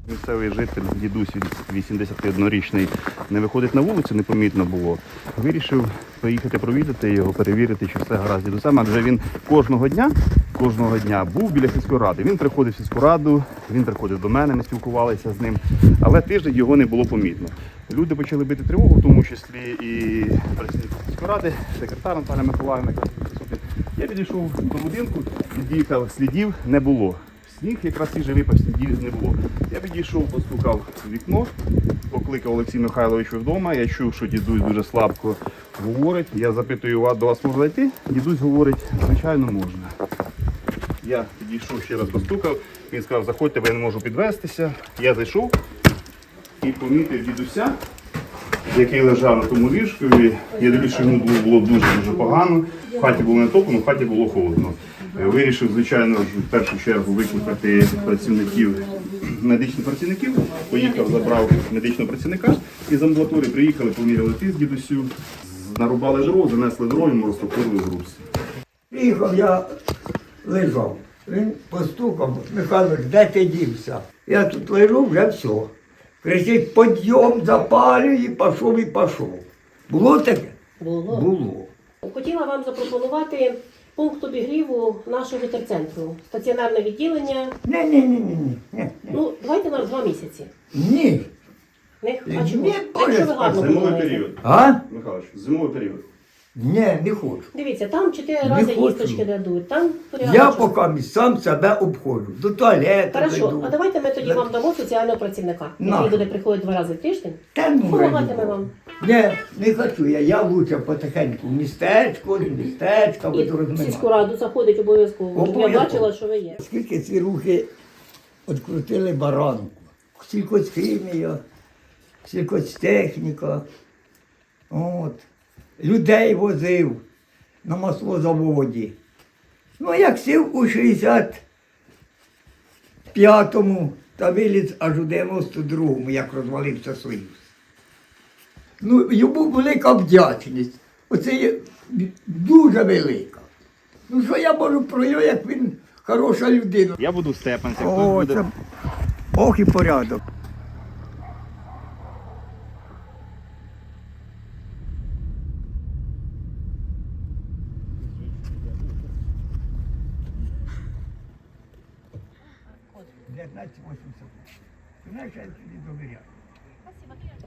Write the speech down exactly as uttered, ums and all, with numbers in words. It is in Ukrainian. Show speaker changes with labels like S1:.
S1: Місцевий житель, дідусь вісімдесятиоднорічний, не виходить на вулицю, непомітно було. Вирішив поїхати провідати його, перевірити, чи все гаразд з дідусем, адже він кожного дня, кожного дня був біля сільської ради. Він приходив в сільську раду, він приходив до мене, ми спілкувалися з ним, але тиждень його не було помітно. Люди почали бити тривогу, в тому числі і працівники сільської ради, секретар Наталя Миколаївна. Я підійшов до будинку, під'їхав, слідів не було. Сніг якраз свіжий випав, слідів не було. Я підійшов, постукав в вікно, покликав Олексій Михайлович вдома. Я чув, що дідусь дуже слабко говорить. Я запитую, до вас можна йти? Дідусь говорить, звичайно, можна. Я підійшов, ще раз постукав. Він сказав, заходьте, бо я не можу підвестися. Я зайшов і помітив дідуся, який лежав на тому ліжкові. Я дивлюсь, що йому було дуже-дуже погано. В хаті було не тепло, в хаті було холодно. Вирішив, звичайно, в першу чергу викликати працівників, медичних працівників. Поїхав, забрав медичного працівника із амбулаторії, приїхали, поміряли тиск дідусю, нарубали дров, занесли дров, йому розтопили груз.
S2: Приїхав, я лежав. Він постукав, Михайлович, де ти дівся? Я тут лежу, вже все. Кричить, підйом, запалюй, і пішов, і пішов. Було таке?
S3: Було.
S2: Було.
S3: Хотіла вам запропонувати пункт обігріву нашого терцентру. Стаціонарне відділення.
S2: Ні, ні, ні, ні, ні.
S3: Ну, давайте на два місяці.
S2: Ні.
S3: Не, а
S2: Ні,
S3: чому?
S2: ні,
S3: Якщо ви гарно
S1: Зимовий
S3: подумаєте.
S1: період.
S2: А?
S1: Михайлович, зимовий період.
S2: Ні, не хочу.
S3: Дивіться, там чотири
S2: Не
S3: рази
S2: хочу.
S3: їсточки дадуть, там
S2: Я
S3: порядочок.
S2: поки сам себе обходжу. До туалету
S3: Хорошо,
S2: йду.
S3: а давайте ми тоді вам дамо соціального працівника,
S2: На.
S3: який буде приходити два рази в тиждень.
S2: Та ну,
S3: Допомагатиме
S2: раді
S3: вам.
S2: Ні, не хочу я. Я лучше потихеньку в містечко, в містечко,
S3: І
S2: буду
S3: в сільську
S2: розминати.
S3: раду заходить обов'язково. Я
S2: Обов'язково.
S3: бачила, що ви є.
S2: Скільки ці рухи відкрутили баранку. Сількохімія, сількотехніка. От. Людей возив на маслозаводі. Ну, як сів у шістдесят п'ятому та виліз аж у дев'яносто другому, як розвалився Союз. Ну, йому велика вдячність. Оце є дуже велика. Ну, що я можу про нього, як він хороша людина.
S1: Я буду в Степанцях,
S2: О,
S1: хтось буде...
S2: це... Ох і порядок. дев'ятнадцять вісімдесят. Знаєш, я тобі довіряю.